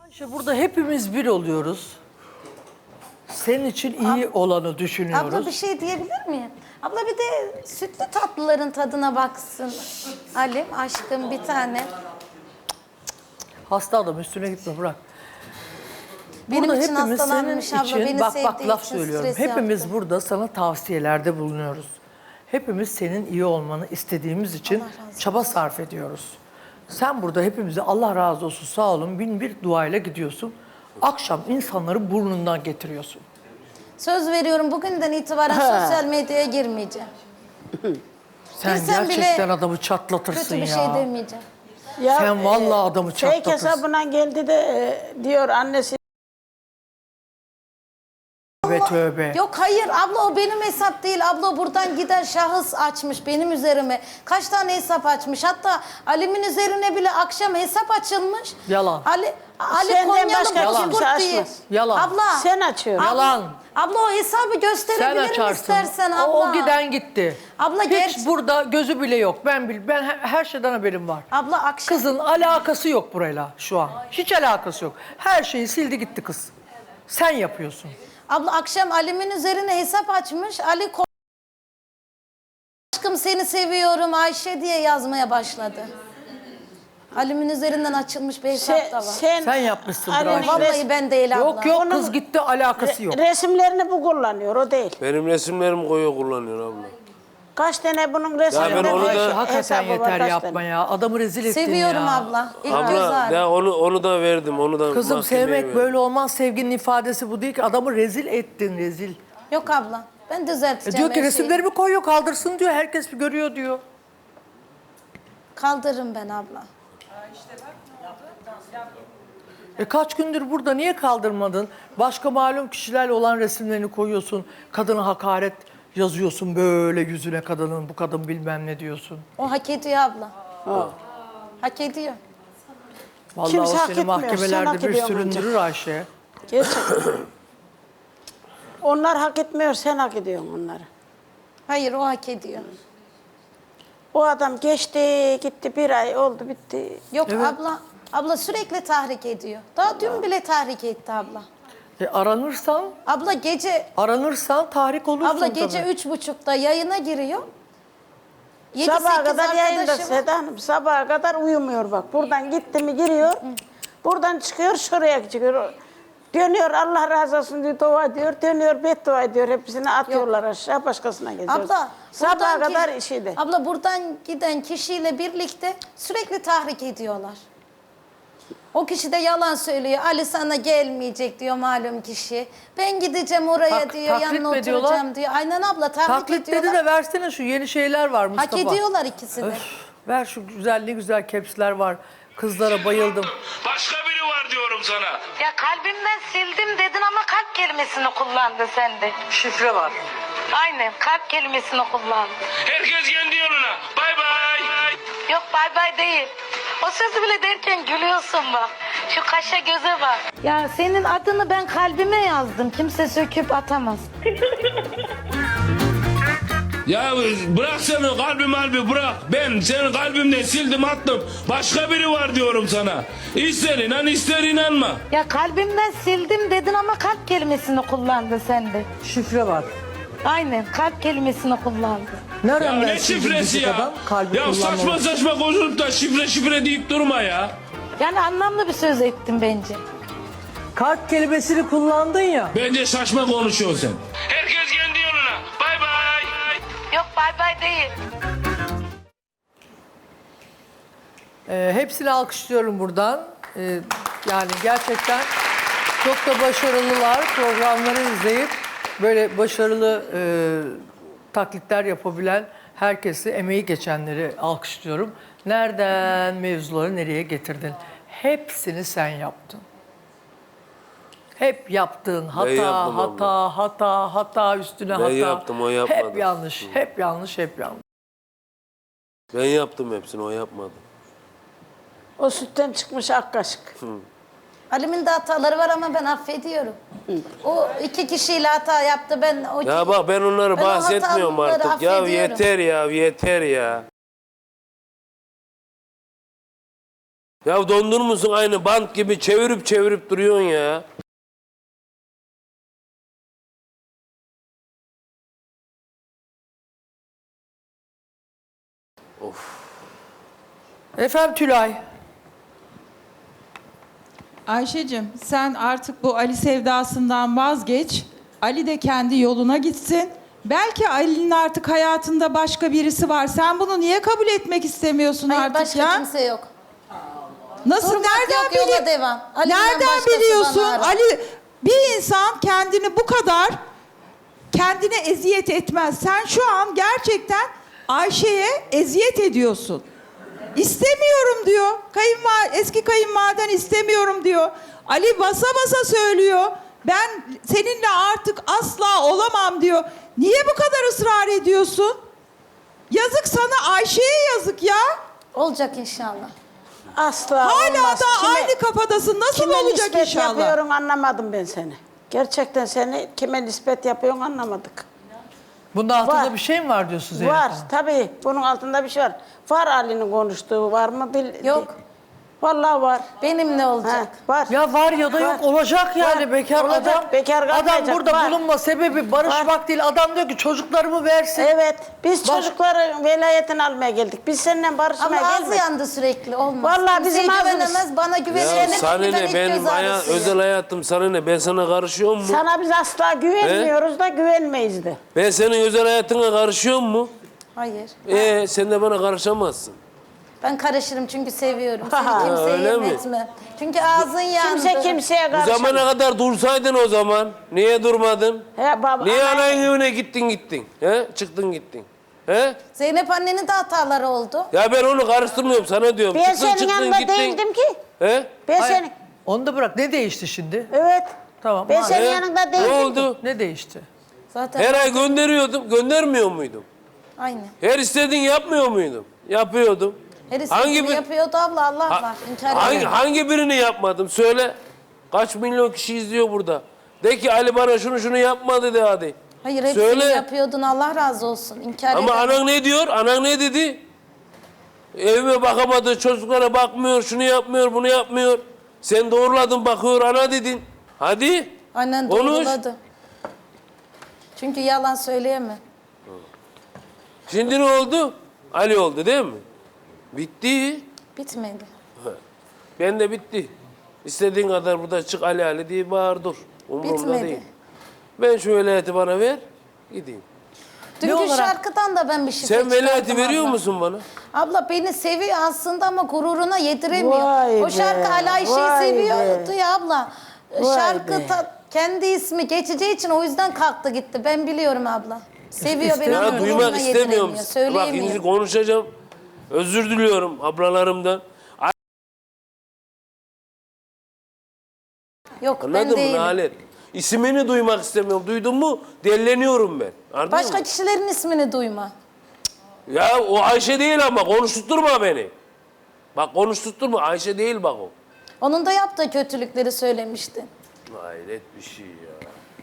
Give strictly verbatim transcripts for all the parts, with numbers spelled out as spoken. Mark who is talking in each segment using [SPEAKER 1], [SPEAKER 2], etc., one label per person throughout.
[SPEAKER 1] İşte burada hepimiz bir oluyoruz. Senin için iyi
[SPEAKER 2] Ab-
[SPEAKER 1] olanı düşünüyoruz.
[SPEAKER 2] Abla bir şey diyebilir miyim? Abla bir de sütlü tatlıların tadına baksın. Halim aşkım bir tane.
[SPEAKER 1] Hasta adam üstüne gitme bırak.
[SPEAKER 2] Benim
[SPEAKER 1] Burada
[SPEAKER 2] için
[SPEAKER 1] hepimiz
[SPEAKER 2] hastalanmış
[SPEAKER 1] senin
[SPEAKER 2] abla.
[SPEAKER 1] için,
[SPEAKER 2] Beni
[SPEAKER 1] bak
[SPEAKER 2] sevdiği
[SPEAKER 1] bak laf
[SPEAKER 2] için
[SPEAKER 1] söylüyorum.
[SPEAKER 2] stres
[SPEAKER 1] Hepimiz
[SPEAKER 2] yaptı.
[SPEAKER 1] burada sana tavsiyelerde bulunuyoruz. Hepimiz senin iyi olmanı istediğimiz için
[SPEAKER 2] Allah razı olsun.
[SPEAKER 1] çaba sarf ediyoruz. Sen burada hepimize Allah razı olsun sağ olun bin bir duayla gidiyorsun. Akşam insanları burnundan getiriyorsun.
[SPEAKER 2] Söz veriyorum bugünden itibaren sosyal medyaya girmeyeceğim.
[SPEAKER 1] Sen
[SPEAKER 2] Bilsem
[SPEAKER 1] gerçekten
[SPEAKER 2] bile
[SPEAKER 1] adamı çatlatırsın
[SPEAKER 2] Kötü bir
[SPEAKER 1] ya.
[SPEAKER 2] şey demeyeceğim.
[SPEAKER 3] Ya,
[SPEAKER 1] Sen vallahi adamı
[SPEAKER 3] Fake
[SPEAKER 1] çatlatırsın.
[SPEAKER 3] hesabına geldi de e, diyor annesi.
[SPEAKER 1] Tövbe tövbe.
[SPEAKER 2] Yok hayır abla o benim hesap değil. Abla buradan giden şahıs açmış benim üzerime. Kaç tane hesap açmış. Hatta Alim'in üzerine bile akşam hesap açılmış.
[SPEAKER 1] Yalan.
[SPEAKER 2] Ali, Ali
[SPEAKER 3] Senden
[SPEAKER 2] Konyalı
[SPEAKER 3] başka
[SPEAKER 2] Bozkurt
[SPEAKER 3] kimse
[SPEAKER 2] diye.
[SPEAKER 3] açmaz.
[SPEAKER 1] Yalan.
[SPEAKER 2] Abla.
[SPEAKER 3] Sen açıyorsun.
[SPEAKER 2] Abla-
[SPEAKER 1] Yalan.
[SPEAKER 2] Abla o hesabı
[SPEAKER 1] Sen
[SPEAKER 2] gösterebilirim
[SPEAKER 1] açarsın.
[SPEAKER 2] istersen abla.
[SPEAKER 1] O, o giden gitti.
[SPEAKER 2] Abla
[SPEAKER 1] Hiç
[SPEAKER 2] gerçi-
[SPEAKER 1] burada gözü bile yok. Ben bil, ben her, her şeyden haberim var.
[SPEAKER 2] Abla akşam.
[SPEAKER 1] Kızın alakası yok burayla şu an. Hiç alakası yok. Her şeyi sildi gitti kız. Sen yapıyorsun.
[SPEAKER 2] Abla akşam Alim'in üzerine hesap açmış. Ali Ko- aşkım seni seviyorum Ayşe diye yazmaya başladı. Alim'in üzerinden açılmış bir hesap
[SPEAKER 3] Sen,
[SPEAKER 2] da var.
[SPEAKER 3] sen,
[SPEAKER 1] Sen yapmışsındır
[SPEAKER 3] Ali'nin
[SPEAKER 1] Ayşe.
[SPEAKER 2] Vallahi
[SPEAKER 3] res-
[SPEAKER 2] ben değil abla.
[SPEAKER 1] Yok yok
[SPEAKER 3] Onu-
[SPEAKER 1] kız gitti alakası yok.
[SPEAKER 3] resimlerini bu kullanıyor, o değil.
[SPEAKER 4] Benim resimlerimi koyuyor kullanıyor abla.
[SPEAKER 3] Kaç tane bunun resimleri
[SPEAKER 4] ben onu da-
[SPEAKER 1] Ayşe
[SPEAKER 3] hesabı
[SPEAKER 1] hakikaten
[SPEAKER 3] var,
[SPEAKER 1] yeter
[SPEAKER 3] kaç
[SPEAKER 1] yapma
[SPEAKER 3] tane?
[SPEAKER 1] ya. Adamı rezil ettin
[SPEAKER 2] Seviyorum
[SPEAKER 1] ya.
[SPEAKER 2] abla. İlk göz
[SPEAKER 4] Abla
[SPEAKER 2] ağrı.
[SPEAKER 4] ya onu onu da verdim. Onu da
[SPEAKER 1] Kızım
[SPEAKER 4] mahkemeye
[SPEAKER 1] sevmek
[SPEAKER 4] verdim.
[SPEAKER 1] böyle olmaz. Sevginin ifadesi bu değil ki. Adamı rezil ettin rezil.
[SPEAKER 2] Yok abla. Ben
[SPEAKER 1] E
[SPEAKER 2] düzelteceğim
[SPEAKER 1] diyor ki
[SPEAKER 2] her şeyi.
[SPEAKER 1] resimlerimi koyuyor kaldırsın diyor. Herkes görüyor diyor.
[SPEAKER 2] Kaldırırım ben abla.
[SPEAKER 1] E kaç gündür burada niye kaldırmadın? Başka malum kişilerle olan resimlerini koyuyorsun. Kadına hakaret yazıyorsun böyle yüzüne kadının. Bu kadın bilmem ne diyorsun.
[SPEAKER 2] O hak ediyor abla. Hak ediyor.
[SPEAKER 1] Vallahi
[SPEAKER 3] Kimse
[SPEAKER 1] o
[SPEAKER 3] hak
[SPEAKER 1] seni
[SPEAKER 3] etmiyor, sen
[SPEAKER 1] mahkemelerde
[SPEAKER 3] hak
[SPEAKER 1] bir
[SPEAKER 3] ediyorsun
[SPEAKER 1] süründürür Ayşe.
[SPEAKER 3] Gerçekten. Onlar hak etmiyor, sen hak ediyorsun onları.
[SPEAKER 2] Hayır o hak ediyor.
[SPEAKER 3] O adam geçti, gitti, bir ay oldu, bitti.
[SPEAKER 2] Yok
[SPEAKER 1] Evet.
[SPEAKER 2] abla. Abla sürekli tahrik ediyor. Daha dün bile tahrik etti abla.
[SPEAKER 1] E aranırsan,
[SPEAKER 2] Abla gece
[SPEAKER 1] aranırsan tahrik olursun
[SPEAKER 2] abla gece
[SPEAKER 1] tabii.
[SPEAKER 2] üç buçukta yayına giriyor. Yedi,
[SPEAKER 3] Sabaha
[SPEAKER 2] sekiz
[SPEAKER 3] kadar yayında
[SPEAKER 2] arkadaşım-
[SPEAKER 3] Seda Hanım, sabaha kadar uyumuyor bak. Buradan gitti mi giriyor, buradan çıkıyor, şuraya çıkıyor. Dönüyor, Allah razı olsun diyor, dua ediyor, dönüyor, beddua ediyor. Hepsini atıyorlar aşağı, başkasına geziyor.
[SPEAKER 2] Abla,
[SPEAKER 3] Sabaha
[SPEAKER 2] buradan
[SPEAKER 3] kadar
[SPEAKER 2] ki-
[SPEAKER 3] işiydi.
[SPEAKER 2] Abla buradan giden kişiyle birlikte sürekli tahrik ediyorlar. O kişi de yalan söylüyor. Ali sana gelmeyecek diyor malum kişi. Ben gideceğim oraya
[SPEAKER 1] Tak-
[SPEAKER 2] diyor,
[SPEAKER 1] taklit
[SPEAKER 2] yanına
[SPEAKER 1] mi ediyorlar?
[SPEAKER 2] oturacağım diyor. Aynen abla tahrik
[SPEAKER 1] Taklit dedi
[SPEAKER 2] ediyorlar.
[SPEAKER 1] de versene şu yeni şeyler var Mustafa.
[SPEAKER 2] Hak ediyorlar ikisi de.
[SPEAKER 1] Öf, ver şu güzel ne güzel kepsler var. Kızlara bayıldım.
[SPEAKER 5] Başka biri var diyorum sana.
[SPEAKER 6] Ya kalbimden sildim dedin ama kalp kelimesini kullandın sen de.
[SPEAKER 1] Şifre var.
[SPEAKER 6] Aynen kalp kelimesini kullandın.
[SPEAKER 5] Herkes kendi yoluna. Bay bay.
[SPEAKER 6] Yok bay bay değil. O sözü bile derken gülüyorsun bak. Şu kaşa göze bak.
[SPEAKER 2] Ya senin adını ben kalbime yazdım. Kimse söküp atamaz.
[SPEAKER 5] Ya bırak seni kalbi malbi bırak. Ben senin kalbimden sildim attım. Başka biri var diyorum sana. İster inan ister inanma.
[SPEAKER 2] Ya kalbimden sildim dedin ama kalp kelimesini kullandın sen de.
[SPEAKER 1] Şifre var.
[SPEAKER 2] Aynen kalp kelimesini kullandın.
[SPEAKER 5] Ya
[SPEAKER 1] Nereden
[SPEAKER 5] ne
[SPEAKER 1] versin
[SPEAKER 5] şifresi
[SPEAKER 1] bildik
[SPEAKER 5] ya?
[SPEAKER 1] adam? Kalbi
[SPEAKER 5] Ya
[SPEAKER 1] kullanmalı.
[SPEAKER 5] saçma saçma konuşup da şifre şifre deyip durma ya.
[SPEAKER 2] Yani anlamlı bir söz ettim bence.
[SPEAKER 1] Kalp kelimesini kullandın ya.
[SPEAKER 5] Bence saçma konuşuyorsun sen. Herkes kendi yoluna. Bay bay.
[SPEAKER 6] Yok bay bay değil.
[SPEAKER 1] Ee, hepsini alkışlıyorum buradan. Ee, yani gerçekten çok da başarılılar. Programları izleyip böyle başarılı e, taklitler yapabilen herkesi, emeği geçenleri alkışlıyorum. Nereden mevzuları nereye getirdin? Hepsini sen yaptın. Hep yaptığın hata,
[SPEAKER 4] yaptım
[SPEAKER 1] hata,
[SPEAKER 4] abla.
[SPEAKER 1] hata, hata üstüne
[SPEAKER 4] Ben
[SPEAKER 1] hata.
[SPEAKER 4] yaptım, o yapmadı.
[SPEAKER 1] Hep yanlış, hep yanlış, hep yanlış.
[SPEAKER 4] Ben yaptım hepsini, o yapmadı.
[SPEAKER 3] O sütten çıkmış ak kaşık.
[SPEAKER 2] Halim'in de hataları var ama ben affediyorum. O iki kişiyle hata yaptı. Ben o
[SPEAKER 4] Ya bak ben onları
[SPEAKER 2] Ben o
[SPEAKER 4] bahsetmiyorum
[SPEAKER 2] hataları
[SPEAKER 4] artık. Ya
[SPEAKER 2] affediyorum.
[SPEAKER 4] yeter ya, yeter ya. Ya dondurmuşsun aynı bant gibi çevirip çevirip duruyorsun ya.
[SPEAKER 1] Efendim Tülay.
[SPEAKER 7] Ayşe'cim sen artık bu Ali sevdasından vazgeç. Ali de kendi yoluna gitsin. Belki Ali'nin artık hayatında başka birisi var. Sen bunu niye kabul etmek istemiyorsun
[SPEAKER 2] Hayır,
[SPEAKER 7] artık
[SPEAKER 2] başka
[SPEAKER 7] ya?
[SPEAKER 2] kimse yok.
[SPEAKER 7] Nasıl?
[SPEAKER 2] Durmak
[SPEAKER 7] Nereden
[SPEAKER 2] yok, yola
[SPEAKER 7] bili-
[SPEAKER 2] devam. Ali'den
[SPEAKER 7] Nereden
[SPEAKER 2] başkası
[SPEAKER 7] biliyorsun?
[SPEAKER 2] bana arar.
[SPEAKER 7] Ali bir insan kendini bu kadar kendine eziyet etmez. Sen şu an gerçekten Ayşe'ye eziyet ediyorsun. İstemiyorum diyor. Kayınva eski kayınvaliden istemiyorum diyor. Ali basa basa söylüyor. Ben seninle artık asla olamam diyor. Niye bu kadar ısrar ediyorsun? Yazık sana, Ayşe'ye yazık ya.
[SPEAKER 2] Olacak inşallah.
[SPEAKER 3] Asla
[SPEAKER 7] Hala
[SPEAKER 3] olmaz.
[SPEAKER 7] da
[SPEAKER 3] Kime-
[SPEAKER 7] aynı kafadasın. Nasıl
[SPEAKER 3] Kime
[SPEAKER 7] olacak
[SPEAKER 3] nispet
[SPEAKER 7] inşallah?
[SPEAKER 3] yapıyorsun anlamadım ben seni. Gerçekten seni kime nispet yapıyorsun anlamadık.
[SPEAKER 1] Bunda altında
[SPEAKER 3] Var.
[SPEAKER 1] bir şey mi var diyorsun Zeynep
[SPEAKER 3] Var
[SPEAKER 1] Hanım?
[SPEAKER 3] tabii. Bunun altında bir şey var. Var Ali'nin konuştuğu var mı? Bil,
[SPEAKER 2] Yok.
[SPEAKER 3] Vallahi var.
[SPEAKER 2] Benimle
[SPEAKER 3] Ha,
[SPEAKER 2] olacak.
[SPEAKER 3] var.
[SPEAKER 1] Ya var ya da yok
[SPEAKER 3] Var.
[SPEAKER 1] olacak yani
[SPEAKER 3] Var.
[SPEAKER 1] bekar
[SPEAKER 3] Olacak,
[SPEAKER 1] adam.
[SPEAKER 3] bekar
[SPEAKER 1] adam
[SPEAKER 3] kalmayacak,
[SPEAKER 1] burada
[SPEAKER 3] var.
[SPEAKER 1] bulunma sebebi barışmak değil. Adam diyor ki çocuklarımı versin.
[SPEAKER 3] Evet. Biz
[SPEAKER 1] Var.
[SPEAKER 3] çocukların velayetini almaya geldik. Biz seninle barışmaya
[SPEAKER 2] Ama ağzı
[SPEAKER 3] gelmedik.
[SPEAKER 2] yandı sürekli, olmaz.
[SPEAKER 3] Vallahi
[SPEAKER 2] Kimseye
[SPEAKER 3] bizim ağzımız-
[SPEAKER 2] güvenemez, bana
[SPEAKER 4] Ya
[SPEAKER 2] güvenene
[SPEAKER 4] sana
[SPEAKER 2] bir
[SPEAKER 4] ne
[SPEAKER 2] ilk
[SPEAKER 4] benim
[SPEAKER 2] göz
[SPEAKER 4] haya-
[SPEAKER 2] ağrısı.
[SPEAKER 4] özel hayatım sana ne? Ben sana karışıyor mu?
[SPEAKER 3] Sana biz asla güvenmiyoruz da güvenmeyiz de.
[SPEAKER 4] Ben senin özel hayatına karışıyor mu?
[SPEAKER 2] Hayır.
[SPEAKER 4] Ee sen de bana karışamazsın.
[SPEAKER 2] Ben karışırım çünkü seviyorum.
[SPEAKER 3] Ha,
[SPEAKER 2] Seni kimseye
[SPEAKER 4] öyle mi?
[SPEAKER 2] yönetme. Çünkü ağzın yandı.
[SPEAKER 3] Kimse kimseye
[SPEAKER 4] Bu
[SPEAKER 3] karışamaz.
[SPEAKER 4] zamana kadar dursaydın o zaman. Niye durmadın?
[SPEAKER 3] He, baba,
[SPEAKER 4] Niye
[SPEAKER 3] ana-
[SPEAKER 4] anayın evine gittin gittin? He? Çıktın gittin. He?
[SPEAKER 2] Zeynep annenin de hataları oldu.
[SPEAKER 4] Ya ben onu karıştırmıyorum sana diyorum.
[SPEAKER 3] Ben
[SPEAKER 4] çıktın
[SPEAKER 3] senin
[SPEAKER 4] çıktın
[SPEAKER 3] yanında
[SPEAKER 4] gittin.
[SPEAKER 3] değildim ki.
[SPEAKER 4] He?
[SPEAKER 3] Ben
[SPEAKER 1] Hayır,
[SPEAKER 3] senin...
[SPEAKER 1] Onu da bırak. Ne değişti şimdi?
[SPEAKER 3] Evet.
[SPEAKER 1] Tamam.
[SPEAKER 3] Ben
[SPEAKER 1] madem.
[SPEAKER 3] senin
[SPEAKER 4] He?
[SPEAKER 3] yanında
[SPEAKER 4] Ne
[SPEAKER 3] değildim.
[SPEAKER 4] oldu?
[SPEAKER 1] Ne değişti?
[SPEAKER 2] Zaten
[SPEAKER 4] Her ay gönderiyordum. Göndermiyor muydum?
[SPEAKER 2] aynı.
[SPEAKER 4] Her istediğin yapmıyor muydum? Yapıyordum.
[SPEAKER 2] Her
[SPEAKER 4] Hangi
[SPEAKER 2] istediğini
[SPEAKER 4] bir-
[SPEAKER 2] yapıyordu abla, Allah
[SPEAKER 4] Ha-
[SPEAKER 2] var. İnkar
[SPEAKER 4] hangi,
[SPEAKER 2] edemem.
[SPEAKER 4] hangi birini yapmadım? Söyle. Kaç milyon kişi izliyor burada? De ki Ali bana şunu şunu yapmadı de hadi.
[SPEAKER 2] Hayır, hepsini
[SPEAKER 4] Söyle.
[SPEAKER 2] yapıyordun, Allah razı olsun. İnkar
[SPEAKER 4] Ama
[SPEAKER 2] edemem.
[SPEAKER 4] anan ne diyor? Anan ne dedi? Evime bakamadı, çocuklara bakmıyor, şunu yapmıyor, bunu yapmıyor. Sen doğruladın bakıyor, ana dedin. Hadi.
[SPEAKER 2] Annen
[SPEAKER 4] Konuş.
[SPEAKER 2] doğruladı. Çünkü yalan söyleyemem.
[SPEAKER 4] Şimdi ne oldu? Ali oldu değil mi? Bitti.
[SPEAKER 2] Bitmedi.
[SPEAKER 4] Ben de bitti. İstediğin kadar burada çık Ali Ali diye bağır dur. Umurumda
[SPEAKER 2] Bitmedi.
[SPEAKER 4] değil. Ben şu velayeti bana ver, gideyim.
[SPEAKER 2] Dünkü
[SPEAKER 1] olarak?
[SPEAKER 2] şarkıdan da ben bir şifre
[SPEAKER 4] Sen velayeti
[SPEAKER 2] çıkardım
[SPEAKER 4] veriyor
[SPEAKER 2] abla.
[SPEAKER 4] musun bana?
[SPEAKER 2] Abla beni seviyor aslında ama gururuna yediremiyor.
[SPEAKER 3] Vay
[SPEAKER 2] O şarkı
[SPEAKER 3] be,
[SPEAKER 2] Ali Ayşe'yi
[SPEAKER 3] vay
[SPEAKER 2] seviyordu
[SPEAKER 3] be.
[SPEAKER 2] ya abla.
[SPEAKER 3] Vay
[SPEAKER 2] şarkı
[SPEAKER 3] be.
[SPEAKER 2] ta- kendi ismi geçeceği için o yüzden kalktı gitti. Ben biliyorum abla. Seviyor beni
[SPEAKER 4] Ya
[SPEAKER 2] ama
[SPEAKER 4] duymak
[SPEAKER 2] gururuna
[SPEAKER 4] istemiyorum.
[SPEAKER 2] yediremiyor.
[SPEAKER 4] Bak
[SPEAKER 2] Söyleyemiyor.
[SPEAKER 4] şimdi konuşacağım. Özür diliyorum ablalarımdan.
[SPEAKER 2] Yok ben
[SPEAKER 4] Anladın mı
[SPEAKER 2] değilim.
[SPEAKER 4] Nalet? İsmini duymak istemiyorum. Duydun mu? Delleniyorum ben. Anladın
[SPEAKER 2] Başka
[SPEAKER 4] mı?
[SPEAKER 2] kişilerin ismini duyma.
[SPEAKER 4] Ya o Ayşe değil ama konuşturma beni. Bak konuşturma. Ayşe değil bak o.
[SPEAKER 2] Onun da yaptığı kötülükleri söylemişti.
[SPEAKER 4] Hayret bir şey ya.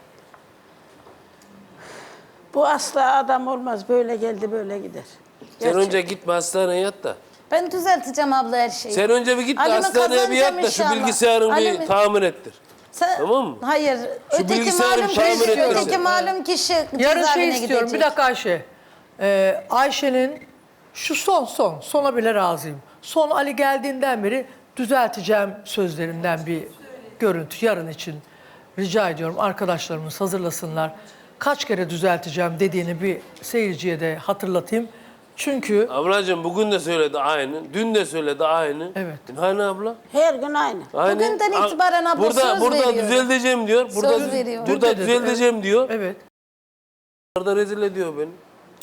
[SPEAKER 3] Bu asla adam olmaz. Böyle geldi böyle gider.
[SPEAKER 4] Sen önce gitme hastaneye yat da.
[SPEAKER 2] Ben düzelteceğim abla her şeyi.
[SPEAKER 4] Sen önce bir git de
[SPEAKER 2] Alimi
[SPEAKER 4] hastaneye bir yat
[SPEAKER 2] kazanacağım
[SPEAKER 4] da şu
[SPEAKER 2] inşallah.
[SPEAKER 4] bilgisayarını bir
[SPEAKER 2] Alimi-
[SPEAKER 4] tamir ettir.
[SPEAKER 2] Sen-
[SPEAKER 4] Tamam mı?
[SPEAKER 2] Hayır. öteki
[SPEAKER 4] bilgisayarı
[SPEAKER 2] malum
[SPEAKER 4] bir tamir
[SPEAKER 2] kişi,
[SPEAKER 4] ettirsin.
[SPEAKER 2] öteki malum kişi
[SPEAKER 1] Yarın
[SPEAKER 2] cezaevine
[SPEAKER 1] şey istiyorum.
[SPEAKER 2] gidecek.
[SPEAKER 1] Bir dakika Ayşe. Ee, Ayşe'nin şu son son, sona bile razıyım. Son Ali geldiğinden beri düzelteceğim sözlerinden bir görüntü yarın için rica ediyorum. Arkadaşlarımız hazırlasınlar. Kaç kere düzelteceğim dediğini bir seyirciye de hatırlatayım. Çünkü
[SPEAKER 4] Ablacığım bugün de söyledi aynı. Dün de söyledi aynı.
[SPEAKER 1] Evet.
[SPEAKER 4] Hani abla?
[SPEAKER 3] Her gün aynı.
[SPEAKER 4] Aynı.
[SPEAKER 2] Bugünden
[SPEAKER 4] A-
[SPEAKER 2] itibaren abla
[SPEAKER 4] burada,
[SPEAKER 2] söz
[SPEAKER 4] burada
[SPEAKER 2] veriyorum.
[SPEAKER 4] düzelteceğim diyor. Burada,
[SPEAKER 2] Söz veriyorum.
[SPEAKER 1] Dün
[SPEAKER 4] Burada
[SPEAKER 1] de dedi,
[SPEAKER 4] düzelteceğim
[SPEAKER 1] evet.
[SPEAKER 4] diyor.
[SPEAKER 1] evet.
[SPEAKER 4] Burada rezil ediyor beni.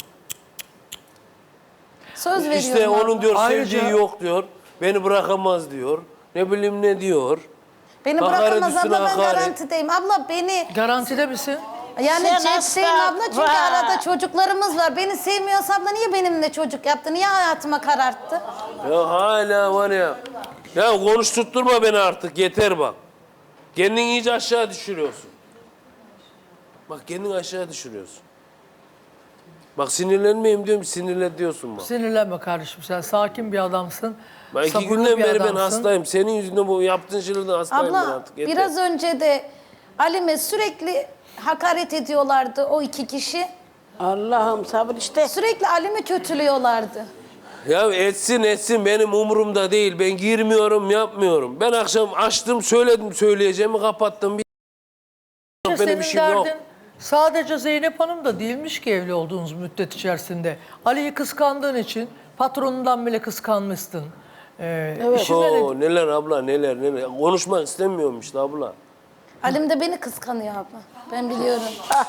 [SPEAKER 2] Söz veriyorum
[SPEAKER 4] İşte
[SPEAKER 2] abla.
[SPEAKER 4] onun diyor
[SPEAKER 1] Ayrıca-
[SPEAKER 4] sevdiği yok diyor. Beni bırakamaz diyor. Ne bileyim ne diyor.
[SPEAKER 2] Beni
[SPEAKER 4] hakaret
[SPEAKER 2] bırakamaz
[SPEAKER 4] üstüne
[SPEAKER 2] abla, ben
[SPEAKER 4] hakaret.
[SPEAKER 2] garantideyim. Abla beni
[SPEAKER 1] Garantide misin?
[SPEAKER 2] yani
[SPEAKER 3] Sen
[SPEAKER 2] cepteyim
[SPEAKER 3] asla-
[SPEAKER 2] abla çünkü
[SPEAKER 3] Vay.
[SPEAKER 2] arada çocuklarımız var. Beni sevmiyorsa abla niye benimle çocuk yaptı? Niye hayatıma kararttı?
[SPEAKER 4] Ya hala var ya. Ya konuşturtturma beni artık yeter bak. Kendini iyice aşağı düşürüyorsun. Bak kendini aşağı düşürüyorsun. Bak sinirlenmeyeyim diyorum, sinirle diyorsun bak.
[SPEAKER 1] Sinirlenme kardeşim, sen sakin bir adamsın.
[SPEAKER 4] Ben iki
[SPEAKER 1] sabırlı
[SPEAKER 4] günden
[SPEAKER 1] bir
[SPEAKER 4] beri ben
[SPEAKER 1] adamsın.
[SPEAKER 4] hastayım. Senin yüzünden bu yaptığın şeylerden hastayım ben
[SPEAKER 2] Abla
[SPEAKER 4] artık. Yeter.
[SPEAKER 2] biraz önce de Alim'e sürekli hakaret ediyorlardı o iki kişi.
[SPEAKER 3] Allah'ım sabır işte.
[SPEAKER 2] Sürekli Alim'i kötülüyorlardı.
[SPEAKER 4] Ya etsin etsin benim umurumda değil. Ben girmiyorum, yapmıyorum. Ben akşam açtım, söyledim, söyleyeceğimi kapattım. Bir
[SPEAKER 1] İşte
[SPEAKER 4] benim
[SPEAKER 1] senin
[SPEAKER 4] işim yok.
[SPEAKER 1] derdin sadece Zeynep Hanım da değilmiş ki evli olduğunuz müddet içerisinde. Ali'yi kıskandığın için patronundan bile kıskanmışsın. Ee, işinde de-
[SPEAKER 4] Oo, neler abla neler neler. Konuşmak istemiyorum işte abla.
[SPEAKER 2] Alim de beni kıskanıyor abla. Ben biliyorum.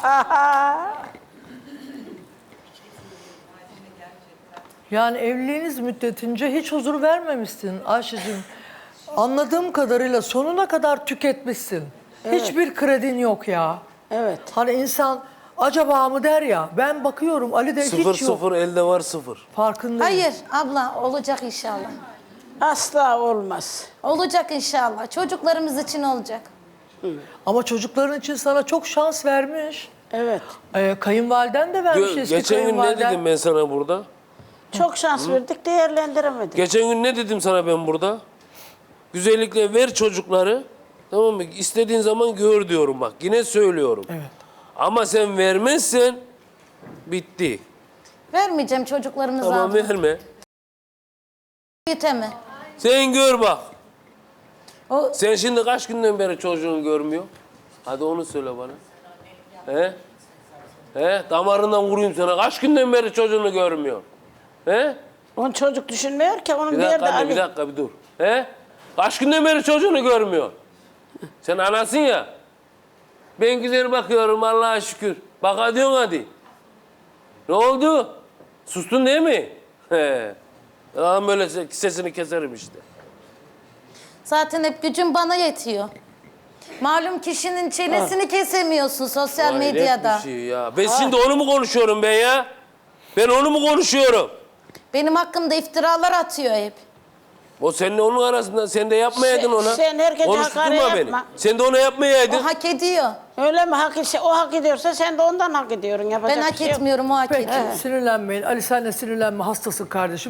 [SPEAKER 1] Yani evliliğiniz müddetince hiç huzur vermemişsin Ayşe'cim. Anladığım kadarıyla sonuna kadar tüketmişsin. Hiçbir kredin yok ya.
[SPEAKER 3] Evet.
[SPEAKER 1] Hani insan acaba mı der ya. Ben bakıyorum Ali'de
[SPEAKER 4] Sıfır
[SPEAKER 1] hiç yok.
[SPEAKER 4] sıfır elde var sıfır.
[SPEAKER 1] Farkındayım.
[SPEAKER 2] Hayır abla olacak inşallah.
[SPEAKER 3] Asla olmaz.
[SPEAKER 2] Olacak inşallah. Çocuklarımız için olacak.
[SPEAKER 1] Ama çocukların için sana çok şans vermiş.
[SPEAKER 3] Evet.
[SPEAKER 1] Ee, kayınvaliden de vermiş
[SPEAKER 4] Gö-
[SPEAKER 1] eski
[SPEAKER 4] Geçen gün ne
[SPEAKER 1] kayınvaliden.
[SPEAKER 4] dedim ben sana burada?
[SPEAKER 3] Çok şans verdik, değerlendiremedik.
[SPEAKER 4] Geçen gün ne dedim sana ben burada? Güzellikle ver çocukları. Tamam mı? İstediğin zaman gör diyorum bak. Yine söylüyorum.
[SPEAKER 1] Evet.
[SPEAKER 4] Ama sen vermezsen bitti.
[SPEAKER 2] Vermeyeceğim çocuklarımıza
[SPEAKER 4] Tamam
[SPEAKER 2] abla.
[SPEAKER 4] verme.
[SPEAKER 2] Yeteme.
[SPEAKER 4] Sen gör bak.
[SPEAKER 2] O
[SPEAKER 4] Sen şimdi kaç günden beri çocuğunu görmüyor? Hadi onu söyle bana. He? He? Damarından vurayım sana. Kaç günden beri çocuğunu görmüyor? He?
[SPEAKER 3] Onun çocuk düşünmüyor ki, onun
[SPEAKER 4] Bir
[SPEAKER 3] bir,
[SPEAKER 4] dakika
[SPEAKER 3] yerde
[SPEAKER 4] anne,
[SPEAKER 3] Ali.
[SPEAKER 4] bir dakika bir dur. He? Kaç günden beri çocuğunu görmüyor? Sen anasın ya. Ben güzel bakıyorum Allah'a şükür. Bak hadi diyorsun hadi. Ne oldu? Sustun değil mi? He. Adam böyle sesini keserim işte.
[SPEAKER 2] zaten hep gücüm bana yetiyor. Malum kişinin çenesini kesemiyorsun sosyal
[SPEAKER 4] Hayret
[SPEAKER 2] medyada.
[SPEAKER 4] bir şey ya. Ben şimdi onu mu konuşuyorum ben ya? Ben onu mu konuşuyorum?
[SPEAKER 2] Benim hakkımda iftiralar atıyor hep.
[SPEAKER 4] O seninle onun arasında sen de yapmayaydın
[SPEAKER 3] Sen-
[SPEAKER 4] ona.
[SPEAKER 3] sen herkese
[SPEAKER 4] Konuşturma
[SPEAKER 3] hakaret
[SPEAKER 4] beni.
[SPEAKER 3] yapma.
[SPEAKER 4] Sen de ona yapmayaydın.
[SPEAKER 2] O hak ediyor.
[SPEAKER 3] Öyle mi? Hak, o hak ediyorsa sen de ondan hak ediyorsun. Yapacak
[SPEAKER 2] Ben
[SPEAKER 3] bir
[SPEAKER 2] hak
[SPEAKER 3] şey yok.
[SPEAKER 2] etmiyorum, o hak
[SPEAKER 1] Peki
[SPEAKER 2] ediyor.
[SPEAKER 1] sinirlenmeyin. Ali sen de sinirlenme, hastasın kardeşim.